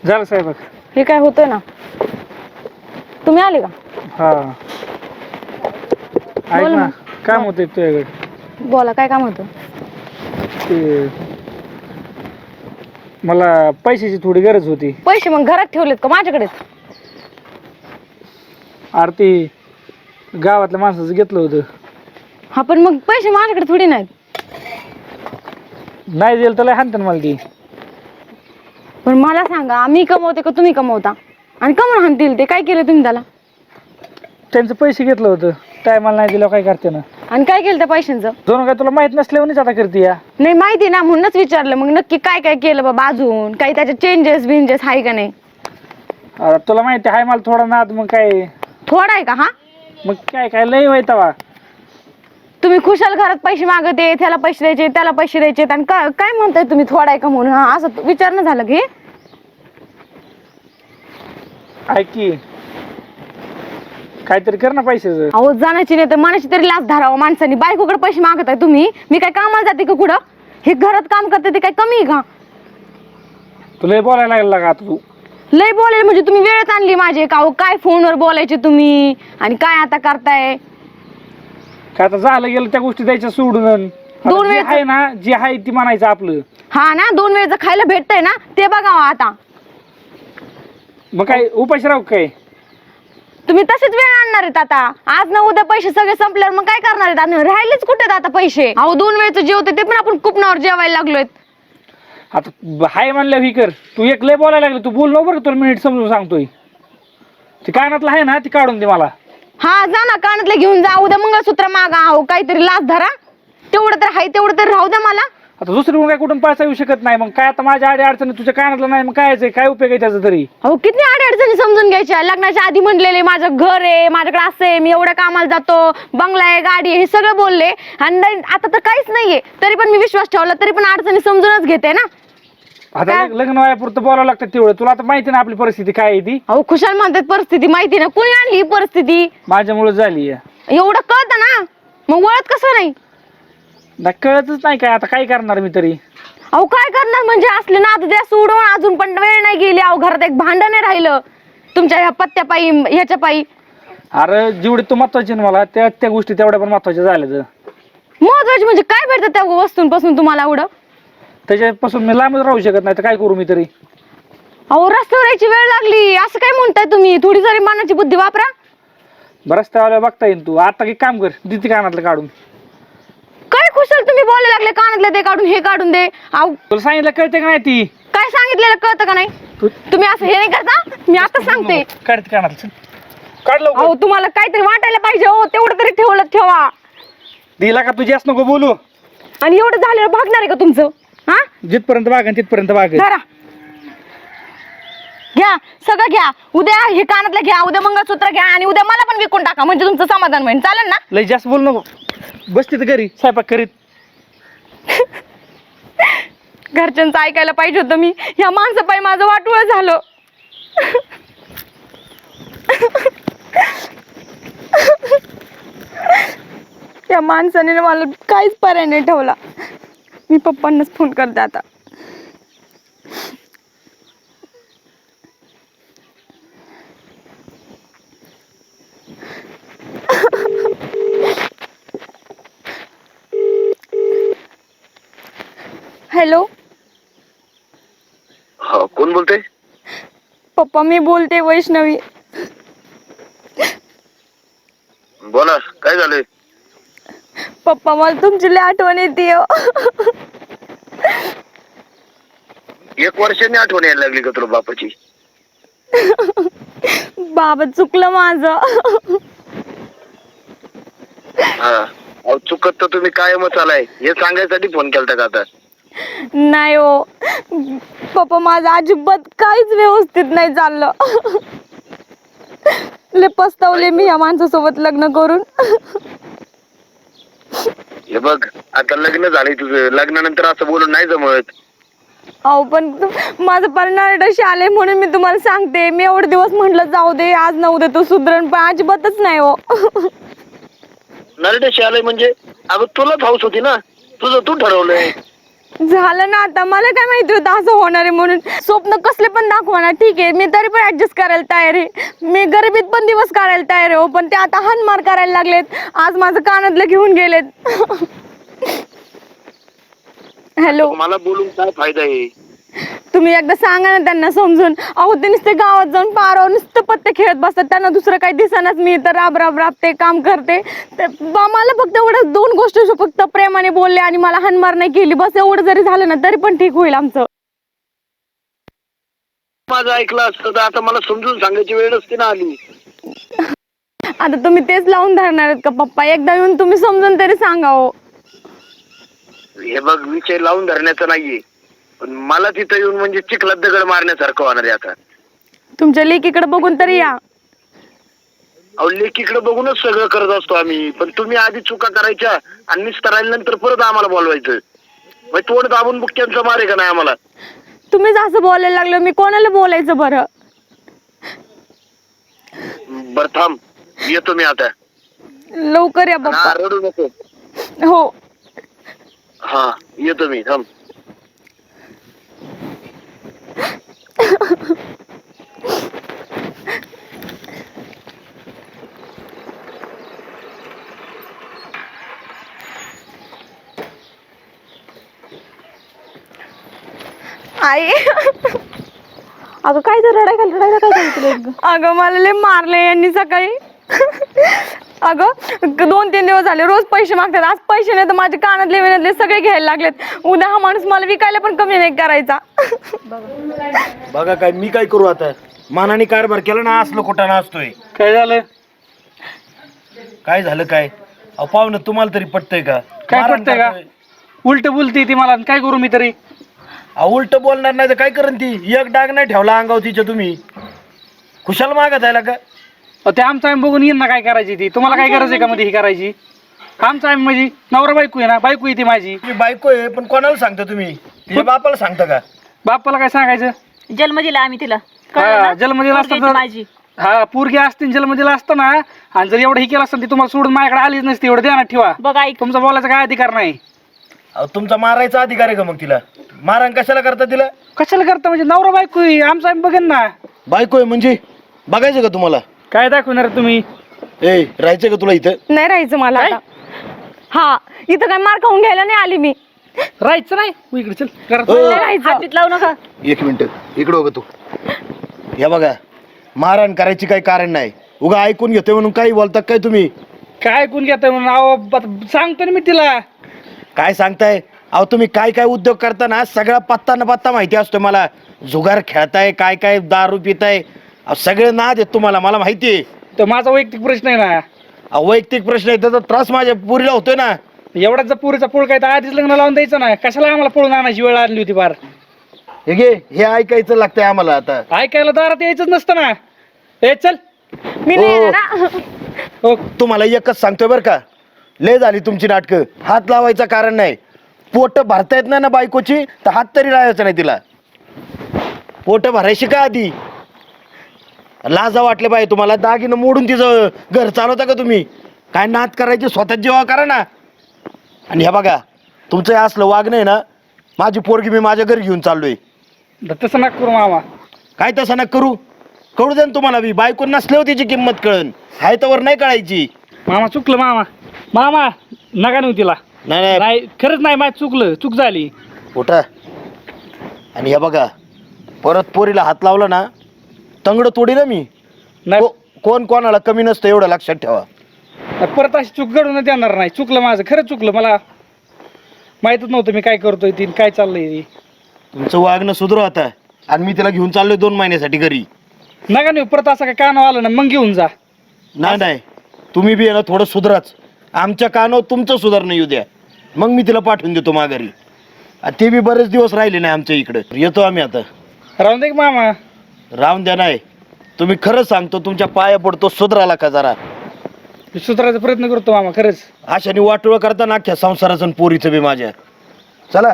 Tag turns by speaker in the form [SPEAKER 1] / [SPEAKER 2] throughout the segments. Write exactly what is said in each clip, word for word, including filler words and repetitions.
[SPEAKER 1] झालं साहेब.
[SPEAKER 2] हे काय होतंय ना, तुम्ही आले का?
[SPEAKER 1] हा ऐक
[SPEAKER 2] बोल
[SPEAKER 1] ना,
[SPEAKER 2] मग.
[SPEAKER 1] काम होतं तुझ्याकडे.
[SPEAKER 2] बोला, काय काम होतं?
[SPEAKER 1] ते मला पैशाची थोडी गरज होती.
[SPEAKER 2] पैसे मग घरात ठेवलेत का माझ्याकडेच?
[SPEAKER 1] आरती गावातल्या माणसाचं घेतलं होतं.
[SPEAKER 2] हा पण मग पैसे माझ्याकडे थोडी नाहीत.
[SPEAKER 1] नाही दिलं तर लय हाणतात मला ती.
[SPEAKER 2] पण मला सांगा, मी कमवते का तुम्ही कमवता? आणि कमवून हाणतील ते? काय केलं तुम्ही त्याला?
[SPEAKER 1] त्यांचं पैसे घेतलं होतं, टायमाला नाही दिलं काय करते ना.
[SPEAKER 2] आणि काय केलं त्या पैशांचं?
[SPEAKER 1] दोन काय तुला माहित नसल्यावरच आता करते या.
[SPEAKER 2] नाही माहिती ना, म्हणूनच विचारलं. मग नक्की काय काय केलं बाबा अजून? काही त्याचे चेंजेस बिंजेस आहे का नाही?
[SPEAKER 1] आता तुला माहिती आहे मला थोडा नाद, मग काय
[SPEAKER 2] थोडा आहे का? हा
[SPEAKER 1] मग काय काय लय माहिती वा.
[SPEAKER 2] तुम्ही खुशाल घरात पैसे मागते, त्याला पैसे द्यायचे, त्याला पैसे द्यायचे, आणि का- काय म्हणताय तुम्ही थोडा आहे का म्हणून? हा असं विचारणं झालं की
[SPEAKER 1] ऐक की, काहीतरी कर ना पैशाचं.
[SPEAKER 2] अहो जाण्याची नाही तर मनाची तरी लाच धरावं माणसानी. बायकोकडे पैसे मागत आहे तुम्ही. मी काय कामाला जाते का कुठं? हे घरात काम करते ते काय कमी आहे का?
[SPEAKER 1] तुला बोलायला लागला का आता तू?
[SPEAKER 2] लय बोलायला म्हणजे तुम्ही वेळच आणली माझी का? अहो काय फोनवर बोलायचे तुम्ही आणि काय आता करताय?
[SPEAKER 1] काय आता झालं गेलं त्या गोष्टी द्यायच्या सोडून. आता
[SPEAKER 2] दोन
[SPEAKER 1] जे
[SPEAKER 2] वेळचं-
[SPEAKER 1] आहे ना, जे आहे ती म्हणायचं आपलं.
[SPEAKER 2] हा ना, दोन वेळचं खायला भेटतंय ना, ते बघावं आता.
[SPEAKER 1] मग काय उपाशी राहू काय?
[SPEAKER 2] तुम्ही तसेच वेळ आणणार आहेत आता. आज ना उद्या पैसे सगळे संपल्यावर मग काय करणार आहेत? आणि राहिलेच कुठे आता पैसे? अहो दोन वेळचं जेवते ते पण आपण कुपनावर जेवायला लागलोय.
[SPEAKER 1] आता हाय म्हणलं ही कर. तू एक लय बोलायला लागलं, तू बोल बरं, तुला मिनिट समजून सांगतोय. ती कानातलं आहे ना, ती काढून दे मला.
[SPEAKER 2] हा जा ना, कानातले घेऊन जा. उद्या मंगळसूत्र मागा. अहो काहीतरी लाच धरा. तेवढं तर हाय तेवढं तर राहू द्या मला.
[SPEAKER 1] आता दुसरी काय कुठून पैसा येऊ शकत नाही. मग काय आता माझ्या आडी अडचणी तुझ्या कानातलं नाही, मग काय यायचंय? काय उपयोग आहे त्याचा तरी?
[SPEAKER 2] अहो किती अडचणी समजून घ्यायच्या. लग्नाच्या आधी म्हणलेले माझं घर आहे, माझ्याकडे असं आहे, मी एवढ्या कामाला जातो, बंगला आहे, गाडी आहे, हे सगळं बोलले. आणि नाही- आता तर काहीच नाहीये, तरी पण मी विश्वास ठेवला, तरी पण अडचणी समजूनच घेते ना.
[SPEAKER 1] आता लग- लग्न वयापुरतं बोलावं लागतं तेवढं. तुला आता माहिती ना आपली परिस्थिती काय आहे ती.
[SPEAKER 2] अहो खुशाल म्हणतात परिस्थिती माहिती ना, कुणी आणली ही परिस्थिती?
[SPEAKER 1] माझ्यामुळे झाली आहे.
[SPEAKER 2] एवढं कळतं ना, मग वळत कसं नाही?
[SPEAKER 1] नाही कळतच नाही काय, आता काय करणार मी तरी.
[SPEAKER 2] अहो काय करणार म्हणजे? असले ना द्या सोडून, अजून पण वेळ नाही गेली. अहो घरात एक भांडण नाही राहिलं तुमच्या ह्या पत्त्या पायी, ह्याच्या पायी.
[SPEAKER 1] अरे जेवढे तू महत्वाचे ना मला, त्या त्या गोष्टी तेवढ्या पण महत्वाच्या झाल्या.
[SPEAKER 2] महत्वाची म्हणजे काय भेटतं त्या वस्तूंपासून तुम्हाला एवढं?
[SPEAKER 1] त्याच्यापासून मी लांबच राहू शकत नाही, तर काय करू मी तरी?
[SPEAKER 2] अहो रस्त्यावर यायची वेळ लागली, असं काय म्हणताय तुम्ही? थोडी जरी मनाची बुद्धी वापरा.
[SPEAKER 1] बरंच त्यावेळेला बघता येईल. तू आता काही काम कर, दिती कानातलं काढून.
[SPEAKER 2] काय खुशाल तुम्ही बोलायला लागले, कानातले ते काढून, हे काढून दे. अहो
[SPEAKER 1] तुला सांगितलं कळते का नाही ती?
[SPEAKER 2] काय सांगितलेलं कळतं का नाही?
[SPEAKER 1] तू
[SPEAKER 2] तुम्ही असं हे नाही करता. मी आता सांगते.
[SPEAKER 1] काढते कानातलं, काढ लवकर.
[SPEAKER 2] अहो तुम्हाला काहीतरी वाटायला पाहिजे हो, तेवढं तरी ठेवलं ठेवा.
[SPEAKER 1] दिला का तुझी असं नको बोलू.
[SPEAKER 2] आणि एवढं झालेलं भागणार आहे का तुमचं? हा
[SPEAKER 1] जिथपर्यंत बाग तिथपर्यंत बाग.
[SPEAKER 2] धरा, घ्या सगळं घ्या. उद्या हे कानातलं घ्या, उद्या मंगळसूत्र घ्या, आणि उद्या मला पण विकून टाका, म्हणजे तुमचं समाधान होईल. चालेल ना?
[SPEAKER 1] लय जास्त बोल नको. बस तिथं घरी स्वयंपाक करीत.
[SPEAKER 2] घरच्यांचं ऐकायला पाहिजे होतं मी. ह्या माणसापायी माझं वाटोळं झालं. या माणसाने मला काहीच पर्याय नाही ठेवला. मी पप्पांनाच फोन करते आता. हॅलो
[SPEAKER 3] हा, कोण बोलते?
[SPEAKER 2] पप्पा, मी बोलते वैष्णवी.
[SPEAKER 3] बोला, काय झालंय?
[SPEAKER 2] पप्पा मला तुमची लय आठवण येते.
[SPEAKER 3] एक वर्षांनी आठवण यायला लागली का तुला बापाची?
[SPEAKER 2] बाबा चुकलं माझं.
[SPEAKER 3] हा, अहो चुकत तर तुम्ही कायमच आलाय, हे सांगायसाठी फोन केलता का आता?
[SPEAKER 2] नाही हो पप्पा, माझं अजिबात काहीच व्यवस्थित नाही चाललं. लय पस्तावले मी ह्या माणसासोबत लग्न करून.
[SPEAKER 3] हे बघ, आता लग्न झालंय तुझं, लग्नानंतर असं बोलून नाही जमत.
[SPEAKER 2] अहो पण माझं परिणाम आले म्हणून मी तुम्हाला सांगते. मी एवढे दिवस म्हटलं जाऊ दे, आज ना उद्या तो सुधरण, पण अजिबातच नाही हो.
[SPEAKER 3] नरडेशी आलंय म्हणजे? अगं तुलाच हाऊस होती ना, तुझं तू ठरवलंय.
[SPEAKER 2] झालं ना आता, मला काय माहिती होतं असं होणार आहे म्हणून. स्वप्न कसले पण दाखवणार, ठीक आहे, मी तरी पण ऍडजस्ट करायला तयार आहे. मी गरिबीत पण दिवस काढायला तयार आहे हो, पण ते आता हानमार करायला लागलेत. आज माझं कानातलं घेऊन गेलेत. हॅलो,
[SPEAKER 3] मला बोलून काय फायदा आहे?
[SPEAKER 2] तुम्ही एकदा सांगा ना त्यांना समजून. अहो ते नुसते गावात जाऊन पारावर नुसतं पत्ते खेळत बसतात, त्यांना दुसरं काही दिसनाच. मी तर राब राब राबते, काम करते. ते बा- मला फक्त एवढं दोन गोष्टी फक्त प्रेमाने बोलले आणि मला हानमार नाही केली, बस एवढं जरी झालं ना तरी पण ठीक होईल आमचं.
[SPEAKER 3] माझं ऐकलं असतं तर आता मला समजून सांगायची वेळ नसती ना आली.
[SPEAKER 2] आता तुम्ही तेच लावून धरणार आहेत का पप्पा? एकदा येऊन तुम्ही समजून तरी सांगा हो.
[SPEAKER 3] हे बघ, विषय लावून धरण्याचं नाहीये, पण मला तिथं येऊन म्हणजे चिखलात दगड मारण्यासारखं होणार आहे आता.
[SPEAKER 2] तुमच्या लेकीकडे बघून तरी या.
[SPEAKER 3] अहो लेकीकडे बघूनच सगळं करत असतो आम्ही, पण तुम्ही आधी चुका करायच्या आणि निस्तार नंतर परत आम्हाला बोलवायचं. मग तोड दाबून बुक्क्यांचा मारे का नाही आम्हाला?
[SPEAKER 2] तुम्हीच असं बोलायला लागलं, मी कोणाला बोलायचं बरं?
[SPEAKER 3] बर थांब, येतो मी आता.
[SPEAKER 2] लवकर या
[SPEAKER 3] हा,
[SPEAKER 2] पप्पा.
[SPEAKER 3] रडू नको.
[SPEAKER 2] हो.
[SPEAKER 3] हा, येतो मी, थांब.
[SPEAKER 2] आई,
[SPEAKER 4] अगं काय तर रडाय खाली रडायला काय सांगितलं?
[SPEAKER 2] अगं मला लय मारले यांनी सकाळी. अगं दोन तीन दिवस झाले रोज पैसे मागतात. आज पैसे नाही तर माझे कानातले विनातले सगळे घ्यायला लागलेत. उद्या हा माणूस मला विकायला पण कमी नाही करायचा.
[SPEAKER 5] बघा काय मी काय करू आता? मानाने कारभार केला ना, असलो कुठं असतोय.
[SPEAKER 1] काय झालं?
[SPEAKER 5] काय झालं काय? अहो पाहुणं तुम्हाला तरी पटतंय का?
[SPEAKER 1] काय
[SPEAKER 5] मारण
[SPEAKER 1] पटतंय का?
[SPEAKER 5] करतोय.
[SPEAKER 1] उलट बोलती ती मला, काय करू मी तरी?
[SPEAKER 5] अहो उलट बोलणार नाही तर काय करण ती? एक डाग नाही ठेवला अंगाव तिच्या तुम्ही. खुशाल मागत आहे का?
[SPEAKER 1] अहो, ते आमचा आम्ही बघून येईन ना काय करायची ती. तुम्हाला काय गरज आहे का मध्ये ही करायची? आमचा आम्ही म्हणजे नवरा बायको आहे ना, बायको आहे ती माझी.
[SPEAKER 5] तुम्ही बायको आहे पण कोणाला सांगता तुम्ही? तिच्या बापाला सांगता का?
[SPEAKER 1] बापाला काय सांगायचं?
[SPEAKER 4] जन्म दिला आम्ही तिला.
[SPEAKER 1] हा, जन्म दिला असता
[SPEAKER 4] पोरगी
[SPEAKER 1] तर
[SPEAKER 4] माझी.
[SPEAKER 1] हा, पोरगी असते जन्म दिला असता ना, आणि जर एवढं ही केलं असतं ती तुम्हाला सोडून माझ्याकडे आलीच नसती. एवढं ध्यानात ठेवा.
[SPEAKER 4] बघ ऐक,
[SPEAKER 1] तुमचा बोलायचा काय अधिकार नाही.
[SPEAKER 5] अहो तुमचा मारायचा अधिकार आहे का मग तिला? मारण कशाला करता तिला?
[SPEAKER 1] कशाला करता म्हणजे? नवरा बायको आहे, आमचा आम्ही बघेन ना.
[SPEAKER 5] बायको आहे म्हणजे बघायचं का तुम्हाला?
[SPEAKER 1] काय दाखवणार तुम्ही?
[SPEAKER 5] ए राहायचं का तुला इथं?
[SPEAKER 2] नाही राहायचं मला
[SPEAKER 1] काय?
[SPEAKER 2] आता. हा, इथं काय मार खाऊन घ्यायला नाही आली मी.
[SPEAKER 1] राहायचं नाही तू इकडे चल घरात.
[SPEAKER 5] हो.
[SPEAKER 2] नाही राहायचं.
[SPEAKER 4] हात बीत लावू नका.
[SPEAKER 5] एक मिनिट इकडं बघ तू. हे बघा, मारहाण करायची काही कारण नाही. उगा ऐकून घेतोय म्हणून काही बोलता काय तुम्ही?
[SPEAKER 1] काय ऐकून घेताय म्हणून? अहो ब- सांगतो ना मी तिला.
[SPEAKER 5] काय सांगताय? अहो तुम्ही काय काय उद्योग करता ना, सगळा पत्ता न पत्ता माहिती असतो मला. जुगार खेळताय, काय काय दारू पिताय, अहो सगळं नाद आहेत तुम्हाला, मला माहिती आहे.
[SPEAKER 1] तर माझा वैयक्तिक प्रश्न आहे ना.
[SPEAKER 5] अहो वैयक्तिक प्रश्न आहे, त्याचा त्रास माझ्या पुरीला होतोय ना.
[SPEAKER 1] एवढाच जर पुरीचा पोळ काय तर आधीच लग्न लावून द्यायचं ना. कशाला आम्हाला पळून आणायची वेळ आणली होती फार?
[SPEAKER 5] हे घे, हे ऐकायचं लागतंय आम्हाला आता.
[SPEAKER 1] ऐकायला दारात यायचंच नसतं ना. ए चल.
[SPEAKER 2] मी नाही
[SPEAKER 5] हो.
[SPEAKER 2] येणार ना.
[SPEAKER 1] हो,
[SPEAKER 5] तुम्हाला एकच सांगतोय बरं का, लय झाली तुमची नाटकं. हात लावायचं कारण नाही. पोट भरता येत नाही ना बायकोची, तर हात तरी लावायचा नाही तिला. पोट भरायची का आधी? लाजा वाटले पाहिजे तुम्हाला. दागिनं मोडून तिचं घर चालवता का तुम्ही? काय नात करायची स्वतः जेव्हा करा ना. आणि हे बघा, तुमचं हे असलं वागणं आहे ना, माझी पोरगी मी माझ्या घरी घेऊन चाललोय.
[SPEAKER 1] तसं नका करू मामा.
[SPEAKER 5] काय तसं नका करू? कळू दे ना तुम्हाला बी. बायको नसल्यावर तिची किंमत कळन, हाय तवर नाही कळायची.
[SPEAKER 1] मामा चुकलं मामा. मामा नका नेऊ तिला.
[SPEAKER 5] नाही नाही
[SPEAKER 1] नाही खरंच नाही, माझं चुकलं, चूक झाली.
[SPEAKER 5] उठा. आणि हे बघा, परत पोरीला हात लावला ना, तंगड तोडी ना मी.
[SPEAKER 1] नाही
[SPEAKER 5] को- कोण कोणाला कमी नसतं एवढं लक्षात ठेवा.
[SPEAKER 1] परत अशी चूक घडून देणार नाही. चुकलं माझं, खरंच चुकलं. मला माहीतच नव्हतं मी काय करतोय ती काय चाललंय.
[SPEAKER 5] तुमचं वागणं सुधरू आता. आणि मी तिला घेऊन चाललोय दोन महिन्यासाठी घरी.
[SPEAKER 1] नका नेऊ परत. असं काय कानावर आलं ना मग घेऊन जा.
[SPEAKER 5] नाही नाही, तुम्ही बी आहे ना थोडं सुधराच. आमच्या कानावर तुमचं सुधारणं येऊ द्या, मग मी तिला पाठवून देतो माघारी. आणि ते बी बरेच दिवस राहिले नाही आमच्या इकडं. येतो आम्ही आता.
[SPEAKER 1] राहून दे की मामा.
[SPEAKER 5] राहून द्या. नाही तुम्ही खरंच सांगतो, तुमच्या पाया पडतो, सुधराला का जरा.
[SPEAKER 1] मी सुधारायचा प्रयत्न करतो मामा खरंच.
[SPEAKER 5] अशाने वाटोळं करता ना अख्ख्या संसाराचं आणि पोरीचं बी माझ्या. चला.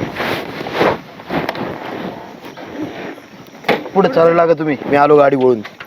[SPEAKER 5] पुढे चालायला लागा तुम्ही, मी आलो गाडी वळून.